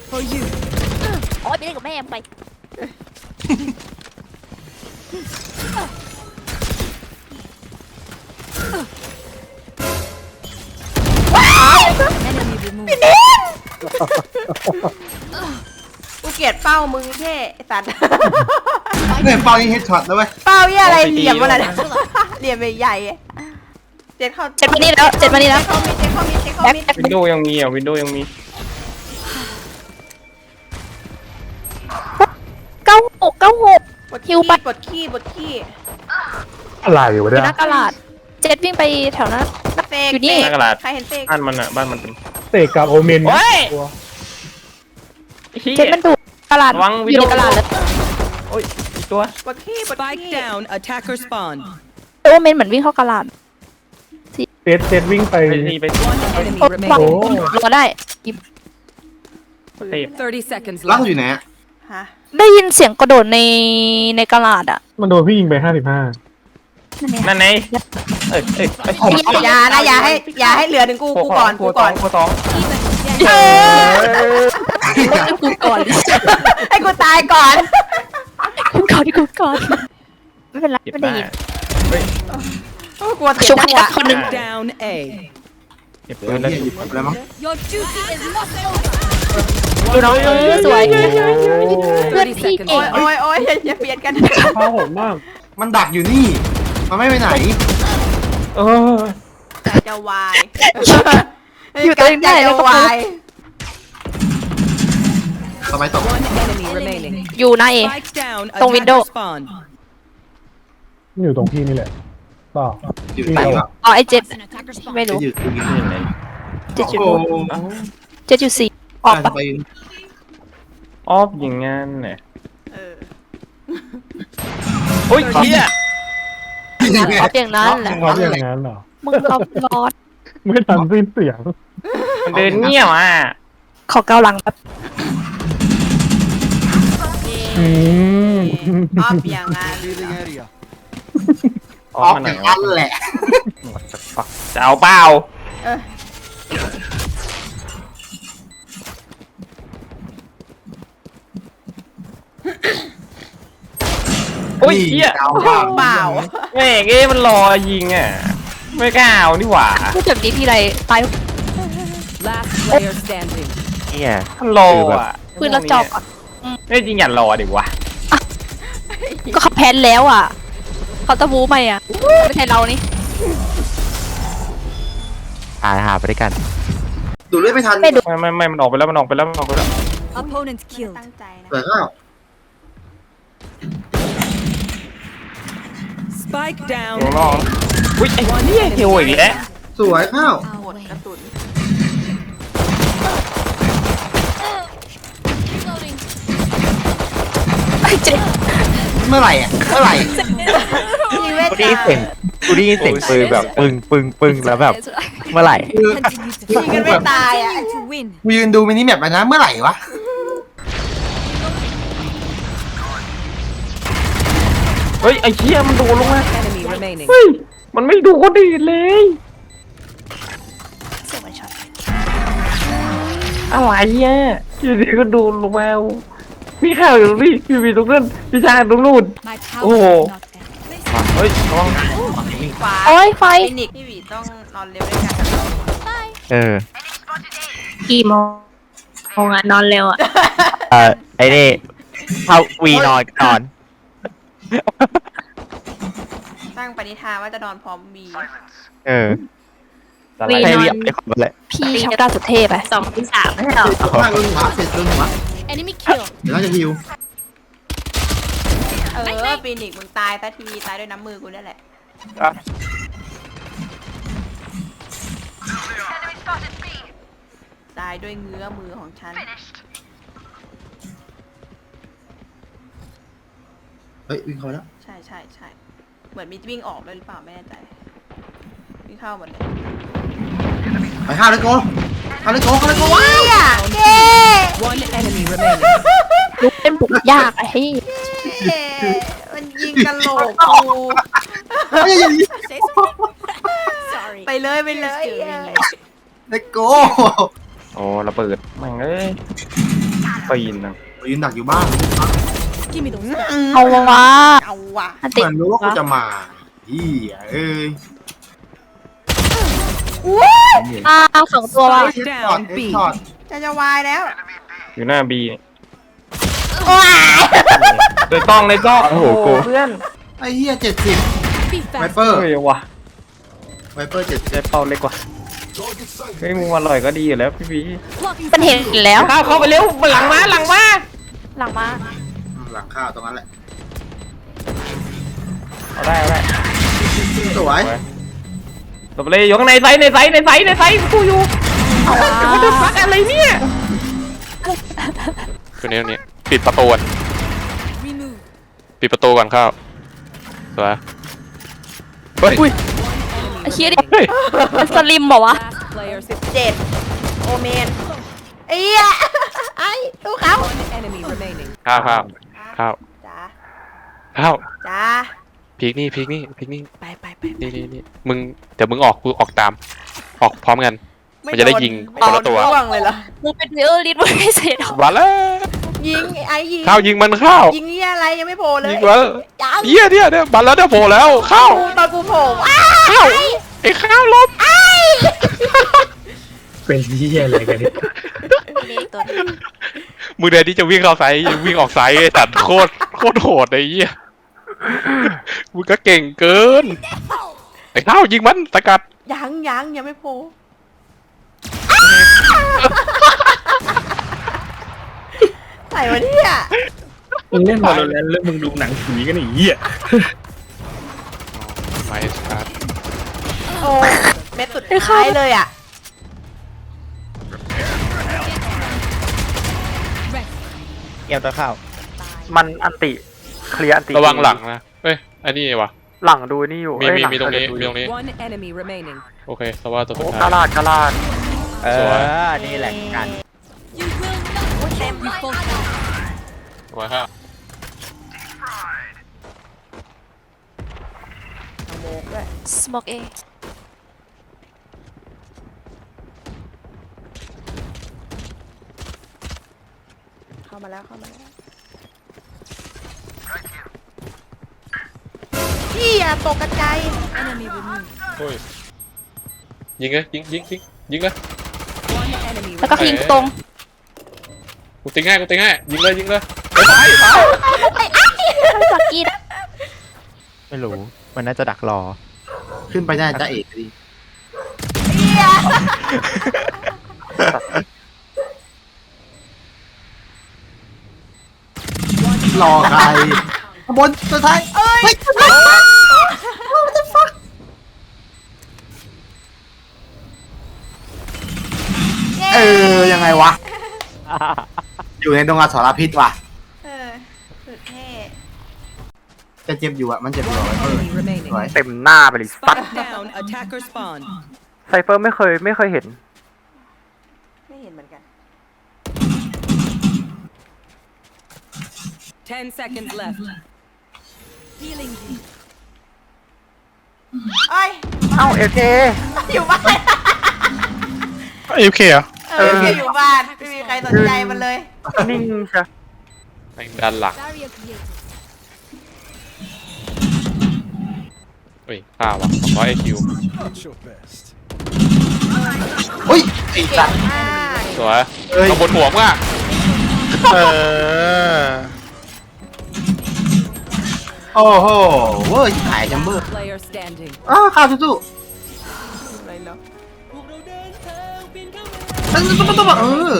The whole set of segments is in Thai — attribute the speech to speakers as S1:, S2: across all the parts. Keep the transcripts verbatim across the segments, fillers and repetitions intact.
S1: for you
S2: โอ๊ยไปเล่นกับแม่ไป
S3: กูเกลียดเป้ามึงแค่ไอ้สัตว์
S4: เนี่ยเป้ายิงเฮดช็อตนะเว้ย
S3: เป้าเหี้ยอะไรเหลี่ยมอะไรเนี่ยเหลี่ยมใหญ่ๆเจ็ดเข้า
S2: เจ็ดมานี่แล้วเจ็ดมานี่แล้ว
S3: เจ็ดเข้ามิดเจ็ดเข้ามิดเจ็ดเข้ามิด
S2: แบ็ค
S5: วินโดว์ยังมีอ่ะวินโดว์ยังมี
S2: เก้าหกเก้าหก
S3: ปวด
S2: ฮิ
S3: ขี้
S2: ว
S3: ป
S2: ไป
S3: วดขี้ปวดขี้
S6: อะไรวะ
S2: อยู่
S6: เนี่ย
S2: หน้ากระดาษเจ็ดวิ่งไปแถวนั้น
S3: เตก
S2: อยู่นี่
S3: เต
S5: หน้ากระดาษ
S3: ใครเห็นเตก
S5: บ้านมันอ่ะบ้านมันเป็น
S6: เตะกับโอเมน
S5: โอ้ย
S6: ตัว
S2: เจ็ดมันดูกระดาษ
S5: ระวัง
S2: อ
S5: วิ
S2: ยู่
S5: ดี
S2: ใน
S5: โอก
S2: ระดาษแล้ว
S5: โอ้ยอีกตัว
S3: ปวดขี้ปวด
S1: spike
S3: ขี้
S1: down attacker spawn
S2: โอเมนเหมือนวิ่งเข้ากระดาษ
S6: เซตเซตวิ่งไป
S5: ไปนี่ไป
S1: one enemy
S2: โอ้วาง
S1: remaining
S2: ลงมาได้
S5: เทป
S1: thirty seconds
S4: ล่าง
S1: left
S4: อยู่ไหนอะ
S3: ฮะ
S2: ได้ยินเสียงกระโดดในในกระดาษอ่ะ
S6: มันโดนพี่ยิงไปห้าสิบห้า
S2: นั่นไง
S5: นั่นไงเอ้ยเอ้ยเอ้ย
S3: อย่านะอย่าให้อย่าให้เหลือถึงกูกูก่อนกูก่อน
S5: กูสอง
S3: เออ
S2: กูก่อน
S3: ให้กูตายก่อน
S2: กูก่อนกูก่อนไม่เป็นไร
S5: เก็บ
S2: ไม่
S5: ได้
S2: ได้ยิน
S5: เฮ้ย
S3: โอ้กลัวเสีย
S2: ชุบ
S3: จั
S2: ให้
S3: งหวะ
S2: คนหนึ่ง
S1: down A
S5: เก็บ
S4: เดี๋ยว
S5: ปืนแล้ว
S4: เหี้ยหยิบไปแล้วมั้ง
S2: ดูน้องเออสวยเพื่อน
S1: thirty
S2: พี่
S1: seconds
S2: เก่ง
S3: โอ้ยโอ้ยโอ้ยอย่าอย่าเบียดกัน
S6: ข้าวโหดมาก
S4: มันดักอยู่นี่ มันไม่ไปไหน
S5: เออ
S3: ใจจะวาย
S2: อยู่ตัวเองได้
S3: ใจ
S2: แล้ว
S3: จะ
S2: ก็
S3: วาย
S4: สมัยตก
S1: one enemy remaining
S2: อยู่หน้าเอ
S1: spike down
S2: ตรง window
S1: attacker spawn
S6: อยู่ตรงพี่นี่แหละต่อ
S4: อยู่ไหนวะ
S2: อ๋อไอเจ็ดไม่
S4: จะ
S2: รู้
S4: อยู่ตรงนี้
S5: นี่ไง
S2: เจ็ดจุด
S4: โอ้
S2: หก
S4: โห
S2: เจ็ดจุดสี่ออก
S4: จะ
S2: ปะ
S4: ไป
S5: ออฟอย่างงั้นเนี่ย
S3: เออ
S5: โอ้ยเฮีย
S2: ออกอย่างนั้นแหละ
S6: เขาอย่างนั้นเหรอ
S2: มึงเอารอด
S6: ไม่ทันสิ้นเสียง
S5: มันเดินเงียบอ่ะ
S2: ขอเกาหลังแบบ
S6: อืม
S3: ออฟอย่างนั้น
S5: อ
S4: อ
S5: อ
S4: อ
S5: ฟ
S4: ฟ
S5: มาไหน
S4: อย่าง
S5: วะ
S4: นั้นแหละ
S5: จะเอาเปล่า
S3: เออ
S5: โอ้ยเฮีย
S4: เอาว่า
S3: เปล่า
S5: แม่งเอ้มันรอยิงอ่ะไม่กล้าเอานี่หว่า
S2: พูดแบบนี้ทีไรตาย
S1: last player standing
S5: เฮียมันรออ่ะ
S2: ปืนเราจอบก่อน
S5: ไม่จริงอย่ารอดิวะ
S2: ก็ขับแพนแล้วอ่ะ เขาตะบูไปอ่ะ ไม่ใช่เรานี่
S7: ตายหาไปด้วยกัน
S4: ดูดเลือดไม่ทัน
S2: ไม่ดู
S5: ไม่ไม่ไม่มันออกไปแล้วมันออกไปแล้วมันออกไปแล้ว
S1: opponent
S3: ไม่
S1: killed
S3: ตั้งใจนะ
S4: เปิดข้าว
S1: spike down
S5: โอ้โหอุ้ยไอ้เหี้ยเฮลอีกแล้ว
S4: สวยข้าว
S3: หมดกระสุน
S2: ไอ้เจ็ด
S4: เมื่อไหร่อ่ะเมื่อไหร่
S3: ยิงเวท
S7: กูได้ยินเสียงกูได้ยินเสียงปืนแบบปึ้งปึ้งปึ้งแล้วแบบเมื่อไหร่
S4: คือ
S3: ยิงกันไม่ตายอ่ะ
S4: กูยืนดูมินิแมปไปนะเมื่อไหร่วะ
S5: เฮ้ยไอ้เหี้ยมันโดนลงมา
S1: enemy remaining
S5: เฮ้ยมันไม่ดูคนอื่นเลย
S2: เสียงมันช็อต
S5: อะไรอ่ะอยู่ดีก็โดนลงมาพี่ข้าวอยู่ตรงนี้พี่มีตรงนั้นพี่ชายตรงนู้นโอ้โหเฮ้ยระวัง
S3: ขวา
S2: โอ้ยไฟ
S3: ฟินิกพี่หวีต้องนอนเร็วด้วยกัน
S7: เออ
S2: กี่โมงโมงอ่ะนอนเร็วอ่ะ
S7: เออไอ้นี่เข้าวีนอนนอน
S3: ตั้งปณิธานว่าจะนอนพร้อมบี
S7: เออ
S5: อะไร
S7: ให้เรียบไอ้คนเลย
S2: พี่ช็อกดาวสุดเทพไปสองที่สามไม่ใช่หรอ
S4: เสร็จข้างโดนหัวเสร็จโดนหัว
S2: enemy kill
S4: เดี๋ยวเราจะฮิว
S3: เออฟินิกมึงตายซะทีตายด้วยน้ำมือกูนี่แหละ
S5: อ่ะ
S3: ตายด้วยเงื้อมือของฉัน
S4: เฮ้ยวิ่งเข้าแล้ว
S3: ใช่ใช่ใช่เหมือนมีวิ่งออกด้วยหรือเปล่าไม่แน่ใจวิ่งเข้าหมดเลย
S4: ไปข้าวเลยโกข้าวเลยโกข้าวเลยโกว้าว
S3: เย้
S1: one enemy remaining
S2: ลุกเป็นบุกยากไอ้ที่
S3: เย้มันยิงกระโหลกกู
S4: เฮ้ย
S3: ไปเลยไปเลย
S4: เลยโก
S5: โอ้ระเบิดแม่งเอ้ยปีนนะ
S4: ยืนดักอยู่บ้าน
S2: เอาวะ
S3: เอาว่ะ
S2: อัน
S4: เห
S2: ติ
S4: มือนรู้ว่ากูจะมาอีเอ้ย
S2: อ้าวสองตัวว่ะ
S1: Spike down
S4: เอ็ก
S1: B.
S4: ช็อต
S3: จะจะวายแล้ว
S5: อยู่หน้าบี
S3: ว้าย
S5: ในต้องในต้อง
S7: โอ้โหกู
S5: เพื่อน
S4: ไอ้เหี้ยเจ็ดสิบไวเปอร์
S5: เฮ้ยวะ
S4: ไวเปอร์เจ็ดสิบ
S5: ได้เป้าเล็กกว่าเฮ้ยมึงอร่อยก็ดีอยู่แล้วพี่บี
S2: มันเห็นแล้ว
S5: เข้าเข้าไปเร็วหลังมาหลังมา
S2: หลังมา
S4: หลังข้าวตรงนั้นแหละ
S5: เอาได้เอาได้
S4: สวย
S5: ตบเลยอยู่ข้างในไซส์ในไซส์ในไซส์ในไซส์กูอยู่มันจะฟักอะไรเนี่ย
S8: ตัวนี้ตัวนี้ปิดประตูก่อนปิดประตูก่อนเข้าสวยเฮ้ย
S2: ไอ้เชี่ยดิมันสลิมเหรอวะ
S1: Last player
S3: สิบเจ็ดโอเมนไอ้เหี้ยไอ้ตู้เขา
S1: enemy remaining.
S8: ข้าวข้าวข้าว
S3: จ้า
S8: ข้าว
S3: จ้า
S8: พีกนี่พีกนี่พีกนี่
S3: ไปไปไป
S8: นี่นี่นี่มึงเดี๋ยวมึงออกกูออกตาม ออกพร้อมกัน มันจะได้ยิงคนละตัว
S3: ไม่ร่วงเลยเหรอ
S2: มึงเป็นวิโอลิสมึงไม่เสร็จหรอ
S8: มาแล้ว
S3: ยิงไอ้ยิง
S8: ข้าวยิงมันข้าว
S3: ยิงเหี้ยอะไรยังไม่โผล่เลย
S8: ยิงแล้ว
S3: ยัง
S8: เหี้ยเนี่ยเนี่ยมาแล้วเนี่ยโผล่แล้วข้าว
S3: ตอนกูโผล่อ้า
S8: ข้าวไอ้ข้าวลบ
S6: เป็นที่อะไรกันเนี่ย
S2: นี่ตัวนี้
S8: มึงเดี๋ยวนี้จะวิ่งเข้าไซส์วิ่งออกไซส์ไอ้สัตว์โคตรโคตรโหดไอ้เหี้ยมึงก็เก่งเกินไอ้ข้าวยิงมันสกัด
S3: ยังยังยังไม่โผล่ใส่มาเนี่ย
S6: มึงเล่นบอลแล้วแล้วมึงดูหนังผีกันอีกเหี้ย
S8: ไม่สกัด
S3: โอ้เม็ดสุดท้ายเลยอ่ะ
S7: เกี่ยวตัวข้าว
S5: มันอันติเคลียร์อันติ
S8: ระวังหลังนะเฮ้ยอันนี้วะ
S5: หลังดูนี่อยู่
S8: มี
S5: เอ้ย
S8: มี
S5: หลั
S8: มีตรงนี้
S5: ดู
S8: มีตรงนี้
S1: One enemy remaining.
S8: โอเคสวัสดีตัวสุ
S5: โอ้
S8: ด
S5: กา
S8: ท้าย
S5: ลาดกาลาด
S7: เอ
S8: สวย
S7: อ นี่แหละกัน
S8: สวยครับ
S3: โมกด้วย
S2: สโมกเอ
S3: เข้ามาแล้วเข้ามาแล้วพี่อะตกกระจาย
S8: เฮ้ยยิงเลยยิงยิงยิงยิงเลย
S1: One enemy
S2: แล้วก็
S1: remaining.
S2: ยิงตรง
S8: กูติงให้กูติงให้ยิงเลยยิงเลย
S2: สักกี้นะ
S7: ไม่รู้ มันน่าจะดักรอ
S4: ขึ้นไปได้จ้าเอกดิรอใครขบวนสุดท้ายเอ้ยเออยังไงวะ อยู่ในดงอสรพิษว่ะ
S3: เออสุดเท่
S4: จะเจ็บอยู่อะมันเจ็บอยู่อะ
S1: One
S4: เออ
S1: enemy remaining.
S4: สวย
S5: เต็มหน้าไปเลยสัต
S1: Spike down. Attacker spawn.
S5: ไซเฟอร์ไม่เคยไม่เคยเห็น
S3: ไม่เห็นเหมือนกัน
S1: Ten seconds left.
S3: เอ้ย
S5: เอ้าเอเค
S3: อยู่บ้าน
S8: เอฟเคเหรอ
S3: เอออยู่บ้านไม่มีใครสนใจมันเลย
S5: นิ่งใช่
S8: แม่งด้านหลังเฮ้ยข้าวว่ะสองร้อยไอคิว
S4: อุ้ยไอ้สัตว์
S3: อ่า
S8: สวย
S4: เอ้ย
S8: ข้างบนหัวมึงอ่ะ
S7: เออ
S4: โอ้โหเว้ยหายจัมเบอร์
S1: Player standing.
S4: อ้าวข้าวสู้
S3: อะไรเนาะ
S4: ๆตึ้งตึ้งตึ้งตึ้งเออ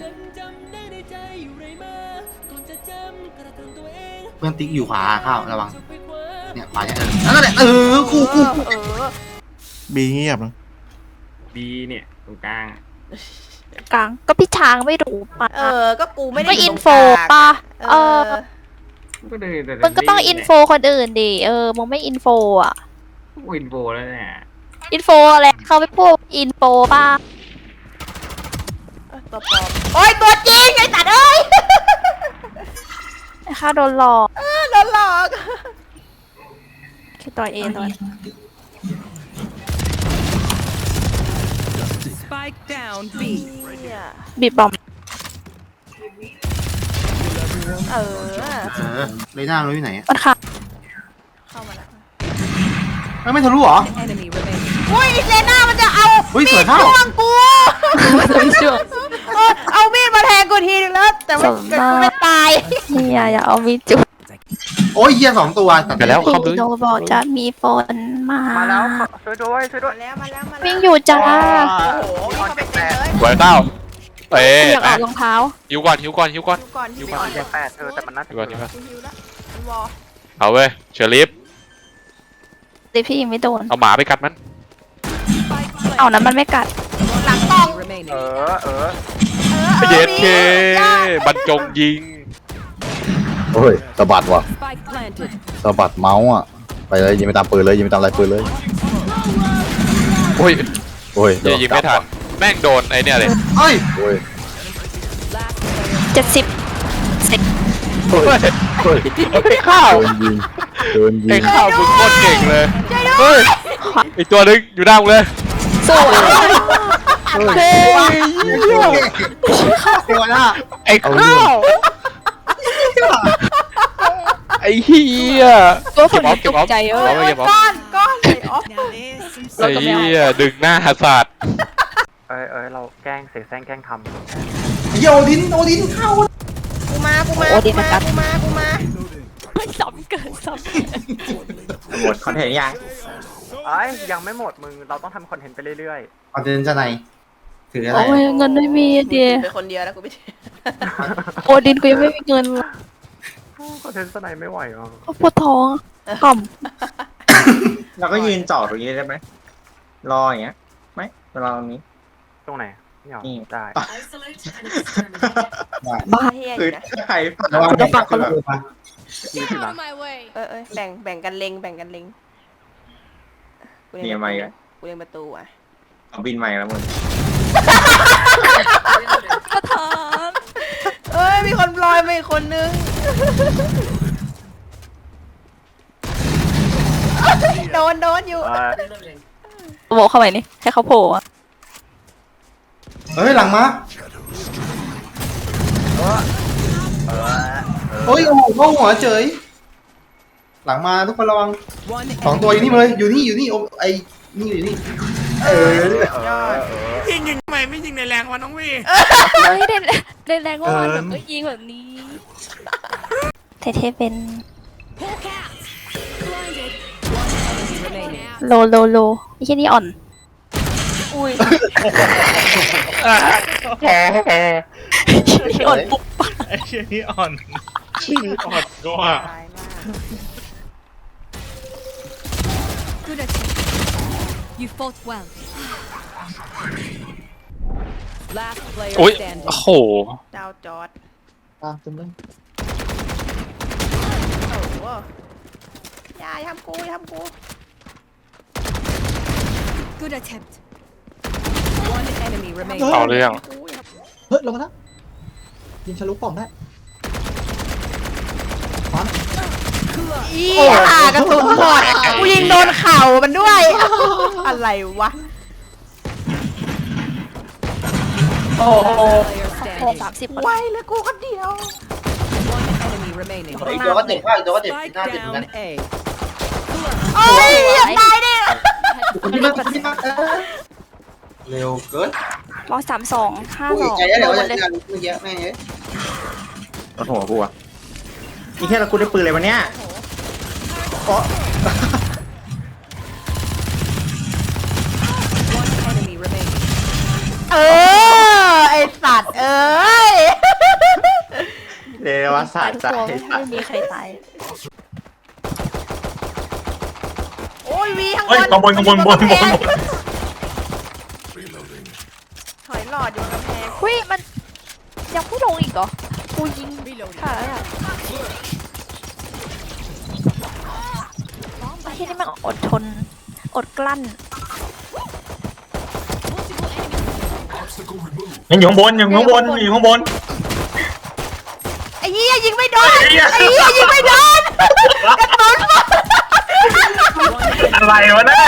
S4: เพื่อนติ๊กอยู่ขวาข้าวระวังเนี่ยขวาเนี่ยเออนั่นแหละเออคู่คู่คู่
S3: เออ
S7: บีเงียบนะ
S5: บีเนี่ยตรงกลาง
S2: กลางก็พี่ช้างไม่รู้ปะ
S3: เออ ก็กูไม่ได้
S2: ไม่
S3: ยู่
S2: อิ
S3: ต
S2: น
S3: รง
S2: โฟ
S3: กลาง
S2: ปะ
S3: เอ
S2: เอ
S3: อ
S2: อ
S5: ก็เดินแต่
S2: มึงก็ต้องอินโฟคนอื่นดิเออมึงไม่อินโฟอ่ะ
S5: อินโฟแล้วเนี่ย
S2: อินโฟอะไรเขาไม่พูดอินโฟป่ะ
S3: เออตัวปลอมโอ้ยตัวจริงไอ้สัตว์เอ้ย
S2: ไอ้ข้าโดนหลอก
S3: เออโดนหลอก
S2: คือต่อยเองต่อย
S1: Spike down B.
S3: เนี่ย
S2: บีบบอม
S3: เออ
S4: เออเลยหน้าเราอยู่ไหนอะ
S2: มันค่ะ
S3: เข้ามาแล้ว
S4: เอ้ยไม่ทะลุเหรอ
S1: Enemy remaining.
S3: อุ้ยอีเลน่ามันจะเอา
S4: เฮ้ย
S3: มี
S4: สวย
S3: ด
S4: เท่า
S3: จ้วงกู
S2: ไม่ช่วย
S3: เออเอามีดมาแทงกูทีนึงแล้ว แต่ไม่
S2: สม
S3: แต่
S2: มา
S3: กูไม่ตาย
S2: นี่อย่าอย่าเอามีจุด
S4: โอ้ยเฮียสองตัวตัด
S8: ไปแล้ว
S2: พี่
S8: เข้าไป
S2: โนบอกจะมีฝนมา
S5: มาแล้วช่วยด้วยช่วยด้วย
S3: มาแล้วมาแล้วมาแล้ว
S2: วิ่งอยู่จ้า
S3: โอ้โหมีคนไปเต็มเลย
S8: ไว้เต้าเอ๊ะ
S2: อยากออกรองเท้า
S8: หิวก่อนหิวก่อนหิวก่อน
S3: ฮิวก่อนฮิวก่อน
S5: เจ็บแปดเธอแต่มันน่าจะ
S8: หิวก่อนหิวก่อน
S3: ฮิวแล้วมันวอล
S8: เอาเว้ยเชอริฟ
S2: แต่พี่ยังไม่โดน
S8: เอาหมาไปกัดมัน
S2: เอานั้นมันไม่กัด
S3: หลังกอง
S5: เอ
S1: Remaining.
S5: อเออ
S3: เออเออ
S8: เย็ด
S3: มี
S8: เค
S3: ยอด
S8: บรรจงยิง
S6: โอ้ยสะบัดว่ะ
S1: Spike planted.
S6: สะบัดเมาส์อ่ะไปเลยยิงไปตามปืนเลยยิงไปตามลายปืนเลย
S8: โอ้ย
S6: โอ้ย
S8: เดี๋ยวยิงไม่ทันแม่งโดนไอ้เนี่ยเลย
S4: เฮ้ย
S6: โอ้ย
S1: Last player.
S2: เจ็ดสิบสิบ
S6: โอ้ยโอ้ย
S8: ไอ้ข้าว
S6: โดนยิงโดนยิ
S8: ไอ้
S6: ง
S8: ข้าวมึงโคตรเก่งเลยเฮ้ยอีกตัวนึงอยู่หน้ามึงเลย
S2: สู้
S4: เฮ้ยตัวหน้า
S8: ไอ้ข้าวไอ้เฮีย
S2: ตัวผ
S8: เก็บ
S2: ม
S8: ออฟเก็บออฟ
S2: ใจ
S8: เก็
S2: เย
S8: บออ
S2: อะ
S8: ฟเก็บออฟ
S3: ก้อนก้อนเลยออฟ
S8: ไอ้เฮียดึงหน้าสัตว์
S5: เอ้ยเอ้ยเราแกล้งเสแสร้งแกล้งท
S4: โยดินโอดินเข้า
S3: กูมากูมา
S2: โอ้ดี
S3: กู
S2: นะ
S3: มา
S2: ครับ
S3: กูมากูมา
S2: ซ้ำเกินซ้
S9: หมดคอนเทนต์ยัง
S5: ำเอ้ยยังไม่หมดมึงเราต้องทำคอนเทนต์ไปเรื่อย
S4: คอนเทนต์จะไหนถือ
S2: ำ
S4: อะไร
S2: โอ้ยเงินไม่มีเดีย
S3: เป็นคนเดียวแล้วกูไม่ใช่
S2: โอดินกูยังไม่มีเงินเลย
S5: ๆคอนเทนต์สไนไม่ไหวอ่ะ
S2: ปวดท้องกล่อม
S9: เราก็ยืนจอดตรงนี้ได้ไหมรออย่างเงี้ยไหมรอตรงนี้
S5: ตรงไหนไม่เอา
S9: นี่
S5: ได้
S2: บ้า
S3: เฮียอ
S9: คือยู่
S3: นะ
S9: ถ้าใครผ่าน
S4: ระวัง
S2: จะฟังเขา
S4: แบ
S2: เลย
S4: บ
S5: ยืนที่หลัง
S3: เออเออแบ่งแบ่งกันเล็งแบ่งกันเล็งกู
S9: เนี่
S3: เล็
S9: ย
S3: ง
S9: ไม่
S3: ประ
S9: กัน
S3: ตูกูเล็งประตูอ่ะ
S9: เอาบินใหม่แล้วมึง
S2: ประธาน
S3: เอ้ยมีคนลอยมาอีกคนนึงโดนโดนอยู่
S5: เอ้ย
S2: โบเข้าไปนี่ให้เขาโผล่อะ
S4: เฮ้ยหลังมาเฮ้ยโอ้โหเข้าหัวเฉยหลังมาทุกคนระวัง
S1: One
S4: สอง
S1: enemy
S4: ตัวอยู่นี่มาเลยอยู่นี่อยู่นี่โอ้ไอนี่อยู่นี่เออ
S3: ยอด
S2: เฮ้ยเด่นเด่นแรงว่าแบบเอ้ยยิงแบบนี้เท่ๆเป็น
S1: remaining.
S2: โลโลโลไอ้แค่นี้อ่อน
S3: อุ้ย
S2: นี่อ่อนปุ๊บ
S8: ไอ้เชี่ยนี่อ่อนชื่ออ่อนก็ว่า
S3: ตายมาก
S1: You fought well. Last player
S8: อุ้ย
S1: standing.
S8: โอ้โห
S3: ดาวจอด
S4: ตามตึมเลย
S3: โอ้โหอย่าอย่าทำกูอย่าทำกู
S1: Good attempt. One enemy remaining.
S8: เอาเรื่อง
S3: กูอย่าทำกู
S9: เฮ้ยลงมาแล้วยิงทะลุปล่องได้
S3: อีห่ากระสุนหมดกูยิงโดนเข่ามันด้วย อะไรวะ
S2: โอ้โห
S1: Player
S2: โอ้
S1: standing.
S2: สามสิบ
S3: ไวเลยกูคนเดียว
S1: One enemy remaining.
S4: อีกตัวก็เจ็บมากอีกตัวก็เจ็บ
S1: Spike
S4: หน้าเจ็บเหมือนกัน
S1: down A.
S3: โอ้ยอย่าตายดิ
S4: คุณพี่มากคุณพี่มากเออเร็วเกิน
S2: ร้อยสามสองห้า
S4: กู
S2: ส
S4: อี
S2: อก ง
S4: ใจแล้วเดี๋ยว
S2: โด
S4: จะ
S2: นเลย
S4: เมื่อกี้แม่งเอ้ย
S9: รถหัวกูอะนี่แค่เรากูได้ปืนเลยวันเนี้ย
S1: One enemy remaining.
S3: เออไอสัตว์เอ้ย
S9: เรวศา
S2: ตา
S9: ส
S2: ย
S9: ตร์
S2: ทุก
S9: ใจ
S2: ตัวไม่มีใครตาย
S3: โอ้ยวีข้างบ
S8: เฮ้ย
S3: น
S8: ขบวนขบวนขบวนขบวน
S3: ถอยหลอดอยู่กำแพง
S2: เฮ้ยมันยังไม่ลงอีกเหรอกูยิงค่ะไอ้ที่นี่มันอดทนอดกลั้น
S8: ยังอยู่ข้างบนยังอยู่ข้างบนอยู่ข้างบน
S3: ไอ้เหี้ยยิงไม่โดนไอ้เหี้ยยิงไม่โดนกระสุนหมด
S8: อะไรวะเนี่ย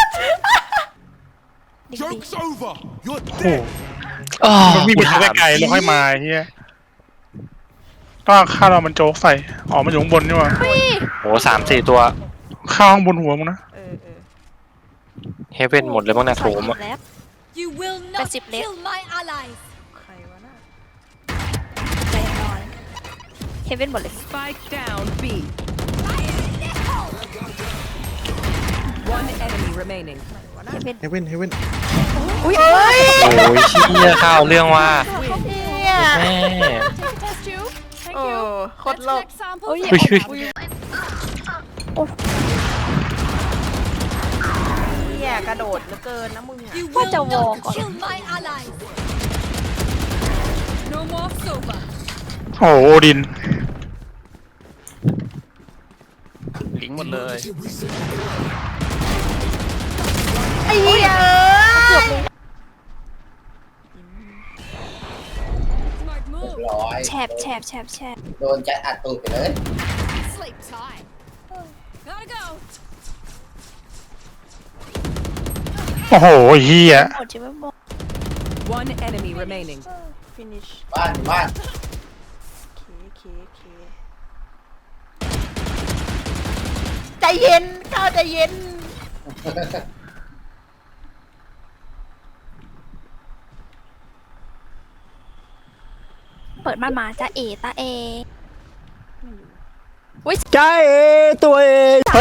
S2: ดิ
S10: Joke's over. You're
S8: มันวิ่งไปไกลๆแล้วค่อยมาเฮียก็ข้าวเรามันโจ๊กใส่อ๋อมันอยู่ข้างบนนี่หว่า
S7: โหสามสี่ตัว
S8: ข้าวข้างบนหัวมึงนะ
S3: เออเออ
S7: เฮเว่นหมดเลยบ้างนะโถมอะ
S2: แล้ว
S1: You will
S2: not
S1: not
S2: kill
S1: kill my allies.
S3: ใครวะน่ะ
S2: ใจนอนเฮเว่นหมดเลย
S1: Spike down B. One enemy remaining.
S2: เฮเว่น
S6: เฮเว่นเฮเว่น
S3: อุ้ยเอ้ย
S7: โอ้ยเชี่ยข้าวเรื่องว่า
S3: เนี่ย
S7: แม่
S3: โอ้โคตรโลก
S2: โอ้ย
S7: อุ้ยอุ้ย
S3: เนี่ยกระโดดเหลือเกินนะมึงอะ
S1: You
S2: ว่า
S1: will
S2: จะวอ
S1: not
S2: ก่อน
S1: kill my allies. No more sofa.
S8: โอ้โหโอดิน
S7: ลิงหมดเลย
S3: ไอ้เหี้ย
S1: Smart move.
S4: ร้อย
S2: แฉบแฉบแฉบแฉบ
S4: โดนจะอัดตูดไปเลย
S1: Sleep time. Gotta go.
S8: โอ้โหเฮีย
S2: หมดใช่ไหมหมด
S1: One enemy remaining.
S3: ฟินิช
S4: บ้านอยู่บ้าน
S3: เคเคเคใจเย็นข้าวใจเย็น
S2: เปิดม่านมาจ้าเอตาเอ
S5: ใจตัวเอง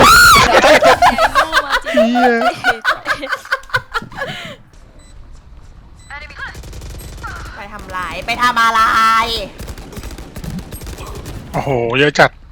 S8: เฮีย
S3: ไปทำลายไปทำอะไร
S8: โอ้โหเยอะจัด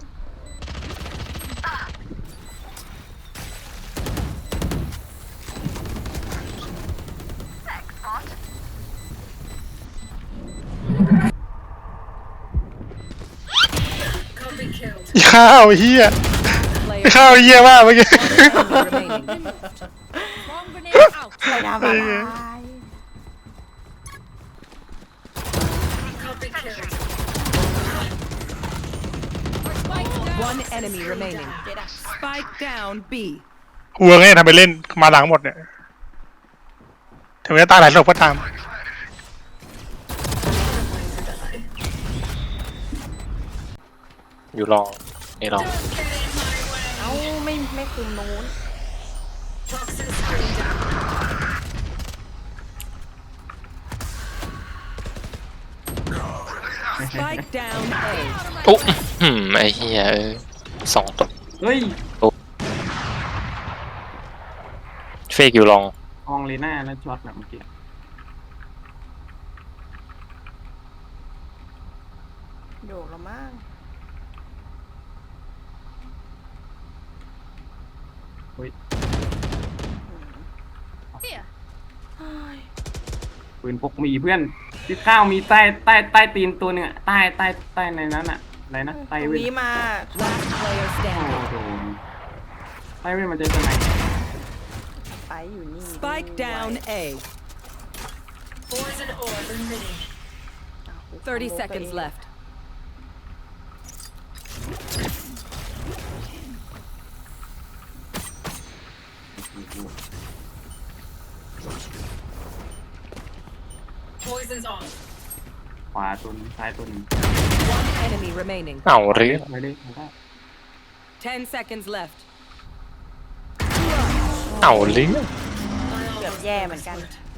S8: อีข้าวเฮีย
S1: Player
S8: อีข้าวเฮียมากเมื่อกี้
S1: enemy remaining. Bomb grenade out.
S3: ไปทำอะไร
S1: One enemy remaining. Spike down B.
S8: หัวไงทำไปเล่นมาหลังหมดเนี่ยถึงจะตายหลายศพก็ตาม
S7: อยู่ลองนี่ลอง
S3: เอ้าไม่ไม่คุมนู้น
S1: Spike down A.
S7: อุ๊ยหืมไอ้เหี้ยเอ้ยสองตัว
S5: เฮ้ย
S7: เฟกอยู่ลอง
S5: อองเลน่าแล้วช็อตแบบเมื่อกี้
S3: โดดละมั้ง
S5: ปืนพกมีเพื่อนที่ข้าวมีใต้ใต้ใต้ตีนตัวหนึงอะใต้ใต้ใต้ในนั้นอะอะไรนะ
S3: ต
S5: ใต้
S3: รง
S5: เว้น
S3: นี้มา
S1: Last player
S5: โอ้
S1: standing.
S5: โหใต้เว้นมันจะเป็นไง
S3: ไปอยู่นี่
S1: Spike down A. Thirty seconds left. Poison's on.
S5: ขวาตัวหนึงซ้ายตัวหนึง
S1: One enemy remaining.
S7: เอาหรือ
S5: ไปเลยไปได้
S1: Ten seconds left.
S7: เอาหรือ
S3: เกือบแย่เหมือนกัน